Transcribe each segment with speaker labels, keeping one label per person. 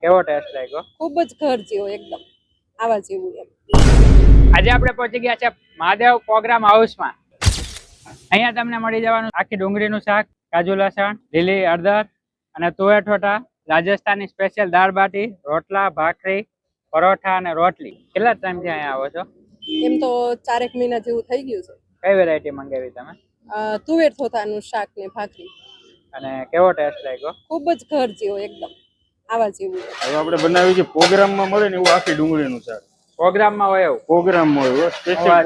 Speaker 1: કેવો ટેસ્ટ લાગ્યો?
Speaker 2: ખૂબ જ ઘર જેવો એકદમ આવા જેવું એમ.
Speaker 1: આજે આપણે પહોંચી ગયા છે મહાદેવ પ્રોગ્રામ હાઉસમાં. અહીંયા તમને મળી જવાનું આખી ડુંગળીનું શાક, કાજુ લસણ, લીલી હળદર અને તુવેર ઠોઠા, રાજસ્થાની સ્પેશિયલ દાળ બાટી, રોટલા, ભાખરી, પરોઠા અને રોટલી. કેટલા ટાઈમથી અહીંયા આવો છો?
Speaker 2: એમ તો 4 મહિના જેવું થઈ ગયું છે.
Speaker 1: કઈ વેરાયટી મંગાવી તમે?
Speaker 2: તુવેર થોતાનું શાક ને ભાખરી.
Speaker 1: અને કેવો ટેસ્ટ લાગ્યો?
Speaker 2: ખૂબ જ ઘર જેવો એકદમ આવા જેવું એમ.
Speaker 3: હવે આપણે બનાવી છે પ્રોગ્રામમાં મળે ને એવું આખી ડુંગળીનું શાક.
Speaker 1: પ્રોગ્રામમાં હોય એવું?
Speaker 3: પ્રોગ્રામમાં હોય સ્પેશિયલ.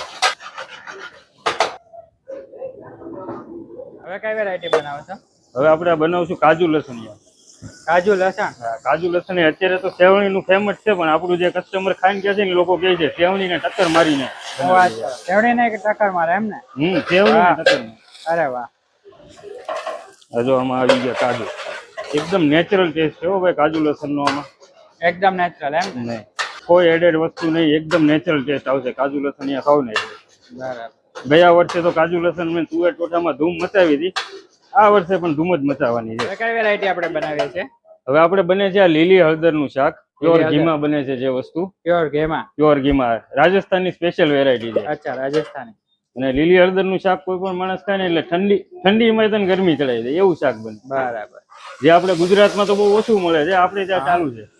Speaker 1: હવે કઈ વેરાયટી બનાવો છો?
Speaker 3: હવે આપણે બનાવશું કાજુ લસણિયા.
Speaker 1: કાજુ લસણ?
Speaker 3: હા, કાજુ લસણ અત્યારે તો સેવણીનું ફેમસ છે, પણ આપણું જે કસ્ટમર ખાઈને કહે છે ને લોકો કહે છે સેવણીને ટક્કર મારીને.
Speaker 1: સેવણીને ટક્કર મારે એમ ને?
Speaker 3: સેવણીને ટક્કર.
Speaker 1: અરે વાહ.
Speaker 3: જો આમાં આવી ગયા કાજુ, એકદમ નેચરલ ટેસ્ટ છે હો ભાઈ કાજુ લસણનો. આમાં
Speaker 1: એકદમ નેચરલ એમ ને?
Speaker 3: નહીં, કોઈ એડેડ વસ્તુ નહીં, એકદમ નેચરલ ટેસ્ટ આવશે કાજુ લસણિયા ખાવ ને.
Speaker 1: બરાબર.
Speaker 3: ગયા વર્ષે તો કાજુ લસણ મેં તુવેર ટોઠામાં ધૂમ મચાવી હતી, આ વર્ષે પણ ધૂમ જ મચાવવાની છે.
Speaker 1: કઈ વેરાયટી આપણે બનાવીએ છીએ?
Speaker 3: હવે આપણે બને છે આ લીલી હળદરનું શાક, પ્યોર ઘીમાં બને છે જે વસ્તુ.
Speaker 1: પ્યોર ઘીમાં?
Speaker 3: પ્યોર ઘીમાં, રાજસ્થાનની સ્પેશિયલ વેરાયટી છે.
Speaker 1: અચ્છા, રાજસ્થાની.
Speaker 3: અને લીલી હળદરનું શાક કોઈ પણ માણસ ખાય ને એટલે ઠંડીમાં તને ગરમી ચડાવી દે એવું શાક બને.
Speaker 1: બરાબર.
Speaker 3: જે આપણે ગુજરાતમાં તો બહુ ઓછું મળે છે, આપણે ત્યાં ચાલુ છે.